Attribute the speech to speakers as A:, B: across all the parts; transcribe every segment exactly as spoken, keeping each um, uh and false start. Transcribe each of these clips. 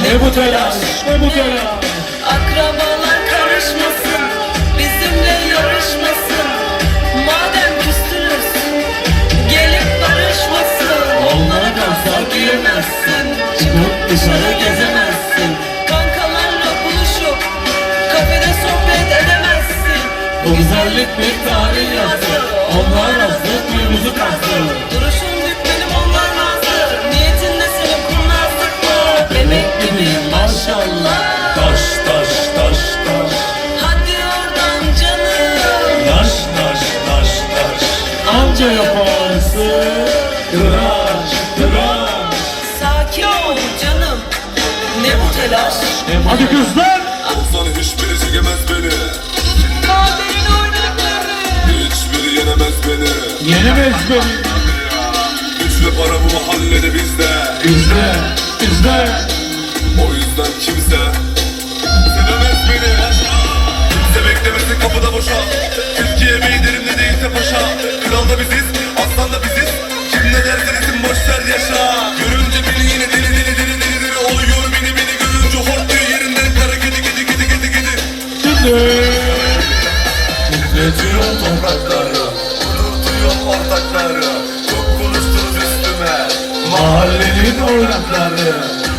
A: Ne bu telaş, ne bu telaş.
B: Akrabalar karışmasın, bizimle yarışmasın. Madem küstünüz, gelip barışmasın. Onlara kalsa giyemezsin, çıkıp dışarı gezemezsin. Kankalarla buluşup kafede sohbet edemezsin.
A: Bu güzellik bir tarih yazdı, onlar azdı, kuyumuzu kazdı.
B: Duruşun dük benim, onlar nazlı. Niyetin de senin kurnazlık mı? Bebek gibiyim maşallah.
A: Taş taş taş taş.
B: Hadi oradan canım.
A: Taş taş taş taş. Anca yaparsın. Tıraş tıraş.
B: Sakin ol canım. Ne bu telaş?
A: Hadi kızlar.
C: Olsan hiçbiri çekemez beni.
B: Kaderin oynakları.
C: Hiçbiri yenemez beni.
A: Yenemez beni.
C: Güçlü para bu mahallede bizde.
A: İzle, izle.
C: O yüzden kimse sevemez beni. Kimse beklemesin kapıda boşa. Türkiye meyderim ne değilse paşa. Kral da biziz, aslan da biziz. Kim ne derse desin boş ver yaşa. Görünce beni yine deli deli deli deli deli oluyor beni beni görünce hortluyor yerinden kara kedi kedi kedi kedi kedi.
A: Şimdi.
C: Titretiyor toprakları, unutuyor ortakları. Çok konuştunuz üstüme,
A: Mahallenin oynakları.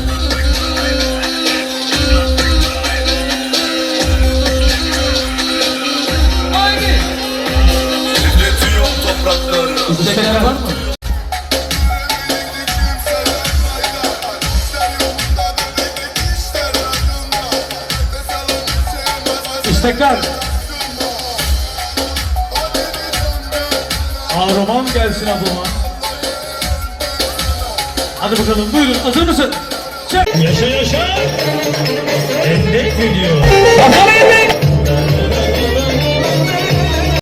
C: titretiyor toprakları.
A: İstekler var mı? İstekler. Kahraman gelsin ablama. Hadi bakalım buyurun, hazır mısın? Çek.
D: Yaşa yaşa. Endek video.